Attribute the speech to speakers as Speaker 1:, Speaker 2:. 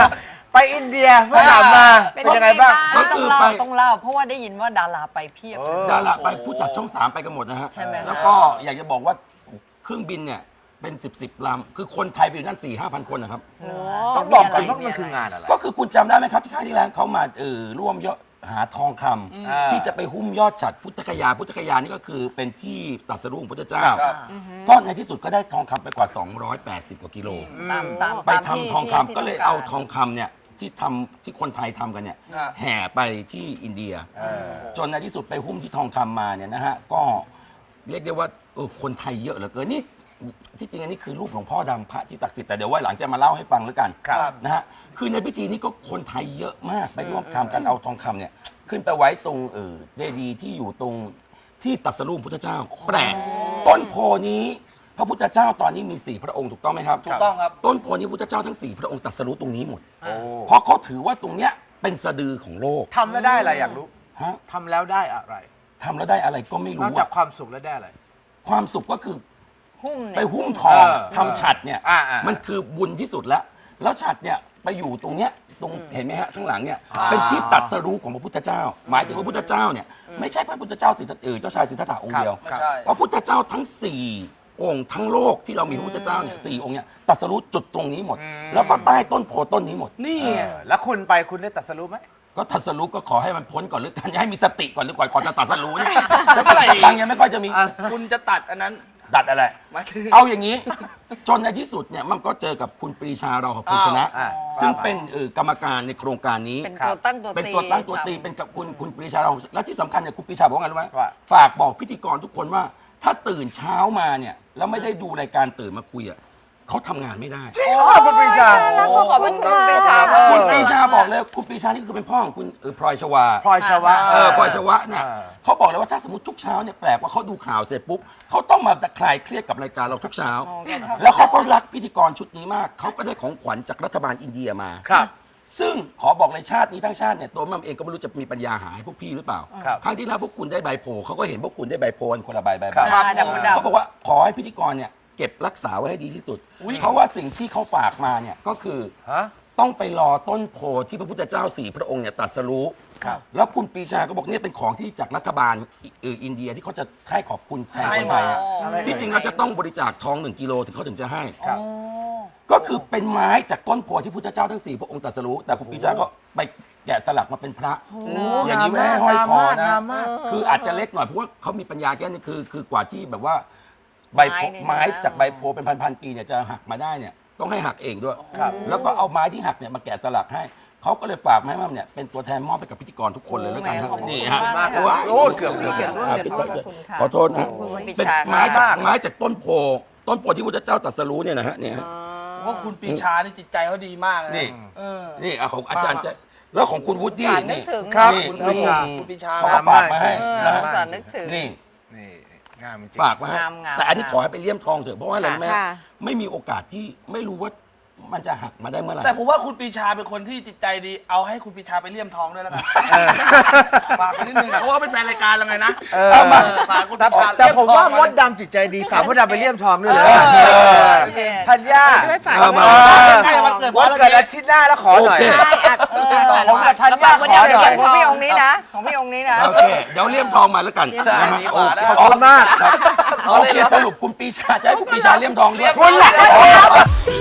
Speaker 1: ไปอินเดียเมื่อกลับมาเป็นยังไงบ้าง
Speaker 2: ก็คือต้องเล่าเพราะว่าได้ยินว่าดาราไปเพียบ
Speaker 3: ดาราไปผู้จัดช่อง 3ไปกันหมดนะฮะ
Speaker 2: ใช่ไหม
Speaker 3: แล้วก็อยากจะบอกว่าเครื่องบินเนี่ยเป็น10 ลำคือคนไทยไปอยู่นั่น4-5 พันคนนะครับ
Speaker 1: ต้องบอกจริงว่ามันคืองานอะไร
Speaker 3: ก็คือคุณจำได้ไหมครับที่ครั้งที่แล้วเขามาร่วมหาทองคำที่จะไปหุ้มยอดฉัตรพุทธคยานี่ก็คือเป็นที่ตรัสรู้ของพุทธเจ้าก็ในที่สุดก็ได้ทองคำไปกว่า280 กว่ากิโลไปทำทองคำก็เลยเอาทองคำเนี่ยที่คนไทยทำกันเนี่ยแห่ไปที่อินเดียจนในที่สุดไปหุ้มที่ทองคำมาเนี่ยนะฮะก็เรียกได้ว่าคนไทยเยอะเหลือเกินนี่ที่จริงอันนี้คือรูปหลวงพ่อดำพระที่ศักดิ์สิทธิ์แต่เดี๋ยวไว้หลังจะมาเล่าให้ฟังแล้วกันนะฮะคือในพิธีนี้ก็คนไทยเยอะมากไปร่วมทำกันเอาทองคำเนี่ยขึ้นไปไว้ตรงเจดีย์ที่อยู่ตรงที่ตรัสรู้พุทธเจ้าแปลกต้นโพนี้พระพุทธเจ้าตอนนี้มี4 พระองค์ถูกต้องไหมครับ
Speaker 4: ถูกต้องครับ
Speaker 3: ต้นโพนี้พุทธเจ้าทั้ง4 พระองค์ตรัสรู้ตรงนี้หมดเพราะเขาถือว่าตรงเนี้ยเป็นสะดือของโลก
Speaker 1: ทำแล้วได้อะไรอยากรู้
Speaker 3: ฮะ
Speaker 1: ทำแล้วได้อะไร
Speaker 3: ทำแล้วได้อะไรก็ไม่รู้
Speaker 1: นอกจากความสุขแล้วได้อะไร
Speaker 3: ความสุขก็คือ
Speaker 2: หุ้ม
Speaker 3: ไปหุ้มทอง
Speaker 1: เออ
Speaker 3: ทำฉัตรเนี่ย
Speaker 1: อ่ามั
Speaker 3: มันคือบุญที่สุดแล้วแล้วฉัตรเนี่ยไปอยู่ตรงเนี้ยตรงเห็นไหมฮะข้างหลังเนี่ยเป็นที่ตรัสรู้ของพระพุทธเจ้า หมายถึงพระพุทธเจ้าเนี่ยไม่ใช่พระพุทธเจ้าเจ้าชายสิทธัตถะองค์เดียว
Speaker 4: ไม่ใช่
Speaker 3: พระพุทธเจ้าทั้ง4 องค์ทั้งโลกที่เรามีพระพุทธเจ้าเนี่ย4 องค์เนี่ยตรัสรู้จุดตรงนี้หมด แล้วก็ใต้ต้นโพต้นนี้หมด
Speaker 4: นี่
Speaker 1: แล้วคุณไปคุณได้ตรัสรู้ไหม
Speaker 3: ก็ตรัสรู้ก็ขอให้มันพ้นก่อนหรือกันให้มีสติก่อนหรือก่อนก่อนจะตรัสรู้เนี่ยสติสตังค์ยังไม่ค่อยจะมี
Speaker 4: คุณจะตัดอันนั้น
Speaker 3: ตัดอะไร
Speaker 4: มาถึง
Speaker 3: เอาอย่างนี้ จนในที่สุดเนี่ยมันก็เจอกับคุณปรีชาเราของคุณชนะ ซึ่งเป็นกรรมการในโครงการนี้
Speaker 2: เป็นตัวตั้งตัวตี
Speaker 3: เป็นตัวตั้งตัวตีเป็นกับคุณปรีชาเราและที่สำคัญเนี่ยคุณปรีชาบอกว่าไงรู้ไหม
Speaker 1: ว่า
Speaker 3: ฝากบอกพิธีกรทุกคนว่า ถ้าตื่นเช้ามาเนี่ยแล้วไม่ได้ดูรายการตื่นมาคุยอ่ะเขาทำงานไม่ได้
Speaker 1: คุณปรีชา
Speaker 2: ขอบคุณคุณปรีชา
Speaker 3: คุณปรีชาบอกเลยคุณปรีชานี่คือเป็นพ่อของคุณพลอยชวา
Speaker 1: พลอยชวะ
Speaker 3: พลอยชวะเนี่ย
Speaker 1: เออ
Speaker 3: เขาบอกเลยว่าถ้าสมมติทุกเช้าเนี่ยแปลกว่าเขาดูข่าวเสร็จปุ๊บเขาต้องมาคลายเครียดกับรายการเราทุกเช้า แล้วเขาก็รักพิธีกรชุดนี้มากเขาก็ได้ของขวัญจากรัฐบาลอินเดียมา
Speaker 1: ครับ
Speaker 3: ซึ่งขอบอกเลยชาตินี้ทั้งชาติเนี่ยตัวมัมเองก็ไม่รู้จะมีปัญญาหาให้พวกพี่หรือเปล่า
Speaker 1: ครับ
Speaker 3: ครั้งที่แล้วพวกคุณได้ใบโพลเขาก็เห็นพวกคุณได้ใบโพลคนละใบ
Speaker 2: จากมดดำ
Speaker 3: เขาบอกว่าขอให้พิธีกรเนี่ยเก็บรักษาไว้ให้ดีที่สุด เพราะว่าสิ่งที่เขาฝากมาเนี่ยก็คือ
Speaker 1: ฮะ
Speaker 3: ต้องไปรอต้นโพที่พระพุทธเจ้า4 พระองค์เนี่ยตรัสรู้
Speaker 1: ครับ
Speaker 3: แล้วคุณปรีชาก็บอกเนี่ยเป็นของที่จากรัฐบาลอินเดียที่เขาจะให้ขอบคุณแทนคนไทยอะ
Speaker 1: อะไร
Speaker 3: ที่จริงเราจะต้องบริจาคทอง1 กิโลถึงเขาถึงจะให้
Speaker 1: ครับ
Speaker 3: ก็คือเป็นไม้จากต้นโพที่พุทธเจ้าทั้ง4 พระองค์ตรัสรู้แต่คุณปรีชาก็ไปแกะสลักมาเป็นพระ อย่างนี้ไม่ให้ห้อยคอนะ
Speaker 1: งามมาก
Speaker 3: คืออาจจะเล็กหน่อยเพราะว่าเขามีปัญญาแค่นี้คือกว่าที่แบบว่าใบโพไม้จากใบโพเป็นพันๆปีเนี่ยจะหักมาได้เนี่ยต้องให้หักเองด้วย
Speaker 1: ครับ
Speaker 3: แล้วก็เอาไม้ที่หักเนี่ยมาแกะสลักให้เขาก็เลยฝากมาให้มั่มเนี่ยเป็นตัวแทนมอบไปกับพิธีกรทุกคนเลยแล้วกันฮะนี่ฮะ
Speaker 1: โอ้เกือบ
Speaker 3: ขอโทษนะเป็นไม้จากต้นโพที่พระเจ้าตรัสรู้เนี่ยนะฮะเนี่ยฮะ
Speaker 4: ว่าคุณปีชานี่จิตใจเขาดีมากเลย
Speaker 3: นี่
Speaker 4: เออ
Speaker 3: นี่ของอาจารย์จะแล้วของคุณวุฒิ
Speaker 2: สารนึก
Speaker 3: นี่
Speaker 2: ถึง
Speaker 1: ครับ
Speaker 3: นี่
Speaker 4: คุณ
Speaker 1: ปรีชา
Speaker 4: คุณปีชา
Speaker 3: เขา
Speaker 4: ค
Speaker 3: ก็
Speaker 4: รับ
Speaker 3: ฝากมาให้
Speaker 2: เอ
Speaker 3: นะ
Speaker 2: อ
Speaker 3: ฮะ
Speaker 2: สารนึกถึง
Speaker 3: นี่
Speaker 1: นี่งามจริง
Speaker 3: ฝากมาให้
Speaker 2: งาม
Speaker 3: แต่อันนี้ขอให้ไปเลี่ยมทองเถอะเพราะว่าอะไรรู้ไหม
Speaker 2: ค่ะ
Speaker 3: ไม่มีโอกาสที่ไม่รู้ว่ามันจะหักมาได้เมื่อไหร่
Speaker 4: แต่ผมว่าคุณปีชาเป็นคนที่จิตใจดี เอาให้คุณปีชาไปเลี่ยมทองด้วยแล้วกันฝากไปนิดนึงนะเพราะว่าเป็นแฟนรายการเราไงนะ
Speaker 1: เอามา
Speaker 4: ฝากคุณ
Speaker 1: แต่
Speaker 4: ปีชา
Speaker 1: แต่ผมว่า
Speaker 4: เลี่ยทอง
Speaker 1: มดดำจิตใจดีฝากมดดำไปเลี่ยมทองด้วยเลย
Speaker 2: โอเค
Speaker 1: ธัญญา
Speaker 2: ด้วยฝาก
Speaker 3: เอามา
Speaker 4: ใกล้วันเกิด
Speaker 1: วันเกิดอาทิตย์หน้าแล้วขอหน่อย
Speaker 3: โอเค
Speaker 2: ใช่อ่ะ
Speaker 1: ผมกับธัญญาขอหน่อย
Speaker 2: ของพี่องค์นี้นะ ของพี่องค์นี้นะ
Speaker 3: โอเคเดี๋ยวเลี่ยมทองมาแล้วกัน
Speaker 4: ใช่
Speaker 3: นะฮะ
Speaker 4: ดีกว่านะ
Speaker 1: ขอบคุณมาก
Speaker 3: โอเคสรุปคุณปีชาจะให้คุณปีชาเลี่ยมทองด้วย
Speaker 1: คุณแหละ